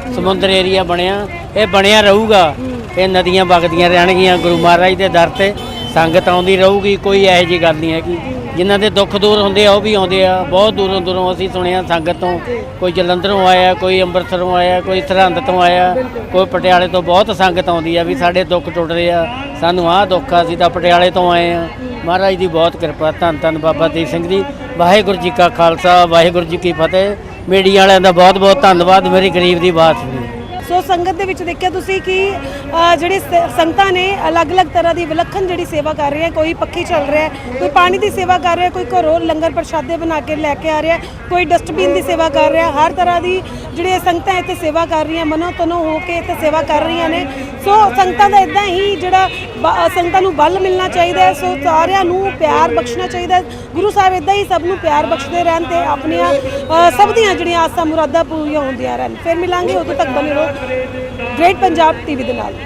Speaker 11: ਸਮੁੰਦਰ ਏਰੀਆ ਬਣਿਆ, ਇਹ ਬਣਿਆ ਰਹੂਗਾ। ਇਹ ਨਦੀਆਂ ਵਗਦੀਆਂ ਰਹਿਣਗੀਆਂ ਗੁਰੂ ਮਹਾਰਾਜ ਦੇ ਦਰ ਤੇ, ਸੰਗਤ ਆਉਂਦੀ ਰਹੂਗੀ, ਕੋਈ ਇਹੋ ਜਿਹੀ ਗੱਲ ਨਹੀਂ ਹੈਗੀ। ਜਿਨ੍ਹਾਂ ਦੇ ਦੁੱਖ ਦੂਰ ਹੁੰਦੇ ਆ ਉਹ ਵੀ ਆਉਂਦੇ ਆ, ਬਹੁਤ ਦੂਰੋਂ ਦੂਰੋਂ ਅਸੀਂ ਸੁਣਿਆ ਸੰਗਤ ਤੋਂ, ਕੋਈ ਜਲੰਧਰੋਂ ਆਇਆ, ਕੋਈ ਅੰਮ੍ਰਿਤਸਰੋਂ ਆਇਆ, ਕੋਈ ਸਰਹੰਦ ਤੋਂ ਆਇਆ, ਕੋਈ ਪਟਿਆਲੇ ਤੋਂ, ਬਹੁਤ ਸੰਗਤ ਆਉਂਦੀ ਆ ਵੀ ਸਾਡੇ ਦੁੱਖ ਟੁੱਟ ਰਹੇ ਆ, ਸਾਨੂੰ ਆਹ ਦੁੱਖ ਆ, ਅਸੀਂ ਤਾਂ ਪਟਿਆਲੇ ਤੋਂ ਆਏ ਆ। ਮਹਾਰਾਜ ਦੀ ਬਹੁਤ ਕਿਰਪਾ, ਧੰਨ ਧੰਨ ਬਾਬਾ ਦੀਪ ਸਿੰਘ ਜੀ। ਵਾਹਿਗੁਰੂ ਜੀ ਕਾ ਖਾਲਸਾ, ਵਾਹਿਗੁਰੂ ਜੀ ਕੀ ਫਤਿਹ। ਮੀਡੀਆ ਵਾਲਿਆਂ ਦਾ ਬਹੁਤ ਬਹੁਤ ਧੰਨਵਾਦ, ਮੇਰੀ ਗਰੀਬ ਦੀ ਬਾਤ ਸੁਣੀ।
Speaker 4: ਸੋ ਸੰਗਤ ਦੇ ਵਿੱਚ ਦੇਖਿਆ ਤੁਸੀਂ ਕਿ ਜਿਹੜੇ ਸੰਗਤਾਂ ਨੇ ਅਲੱਗ-ਅਲੱਗ ਤਰ੍ਹਾਂ ਦੀ ਵਿਲੱਖਣ ਜਿਹੜੀ ਸੇਵਾ ਕਰ ਰਹੇ ਹੈ। ਕੋਈ ਪੱਖੀ ਚੱਲ ਰਿਹਾ ਹੈ, ਕੋਈ ਪਾਣੀ ਦੀ ਸੇਵਾ ਕਰ ਰਿਹਾ, ਕੋਈ ਘਰੋਂ ਲੰਗਰ ਪ੍ਰਸ਼ਾਦੇ ਬਣਾ ਕੇ ਲੈ ਕੇ ਆ ਰਿਹਾ, ਕੋਈ ਡਸਟਬਿਨ ਦੀ ਸੇਵਾ ਕਰ ਰਿਹਾ। ਹਰ ਤਰ੍ਹਾਂ ਦੀ ਜਿਹੜੀਆਂ ਸੰਗਤਾਂ ਇੱਥੇ ਸੇਵਾ ਕਰ ਰਹੀਆਂ, ਮਨੋ ਤਨੋ ਹੋ ਕੇ ਇੱਥੇ ਸੇਵਾ ਕਰ ਰਹੀਆਂ ਨੇ। ਸੋ ਸੰਗਤਾਂ ਦਾ ਇਦਾਂ ਹੀ ਜਿਹੜਾ ਸੰਗਤਾਂ ਨੂੰ ਬਲ ਮਿਲਣਾ ਚਾਹੀਦਾ ਹੈ। ਸੋ ਸਾਰਿਆਂ ਨੂੰ ਪਿਆਰ ਬਖਸ਼ਣਾ ਚਾਹੀਦਾ ਹੈ। ਗੁਰੂ ਸਾਹਿਬ ਇਦਾਂ ਹੀ ਸਭ ਨੂੰ ਪਿਆਰ ਬਖਸ਼ਦੇ ਰਹਿਣ ਤੇ ਆਪਣੀਆਂ ਸਭ ਦੀਆਂ ਜਿਹੜੀਆਂ ਆਸਾਂ ਮੁਰਾਦਾਂ ਪੂਰੀਆਂ ਹੁੰਦੀਆਂ ਰਹਿਣ। ਫਿਰ ਮਿਲਾਂਗੇ, ਉਦੋਂ ਤੱਕ ਬਣੇ ਰਹੋ ਗ੍ਰੇਟ ਪੰਜਾਬ ਟੀਵੀ ਦੇ ਨਾਲ।